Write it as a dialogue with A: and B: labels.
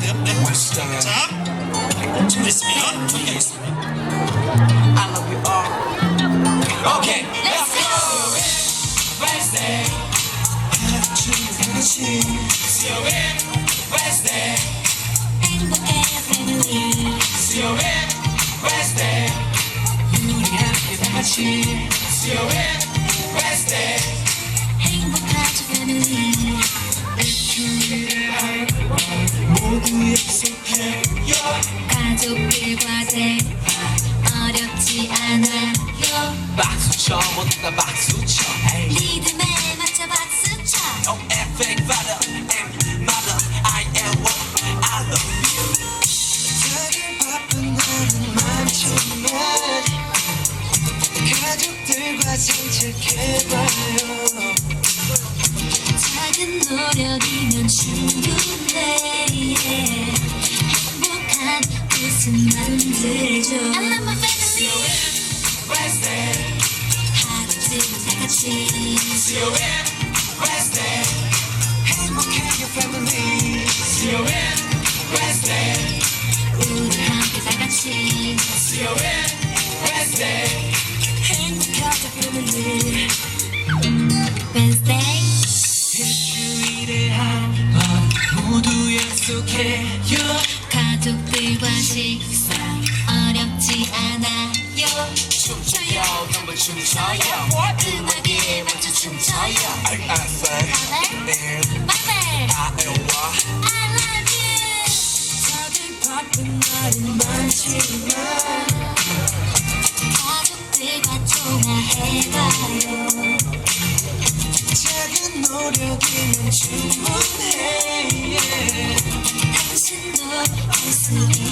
A: 돼요. 네. 자, 준비됐습니다. 준비하겠습니다.
B: I love you all. Okay, let's go. Wednesday. 수요일 Wednesday.
C: 행복해 family.
B: 수요일 Wednesday. 우리 함께 다 같이. 수요일 Wednesday.
C: 행복하자 family.
B: 모두 약속해요.
C: 가족들과 대화 어렵지 않아요.
B: 박수 쳐 모두 다 박수 쳐.
C: 리듬에 맞춰 박수 쳐.
B: No effect father and mother. I am what I love you.
D: 다들 바쁜 날은 많지만 가족들과 산책해봐요.
C: 작은 노력이면 충분해. 행복한 웃음 만들죠. I love my family.
B: Wednesday.
C: 하루쯤은 다 같이.
B: 수요일 Wednesday.
D: 행복해요 family.
B: 수요일 Wednesday.
C: 우리 함께 다 같이.
B: 수요일 Wednesday.
D: 행복하자 family.
C: Wednesday.
D: 일주일에 한 번 모두 약속해요.
C: 가족들과 식사 어렵지 않아요.
B: 춤춰요 한번 춤춰요.
C: 음악에 맞춰 춤춰요.
B: I say
C: Mother,
B: I am what
C: I love you.
D: 다들 바쁜 날은 많지만
C: 가족들과 통화해봐요.
D: 작은 노력이면 충분해.
C: 당신도 할 수 있어요.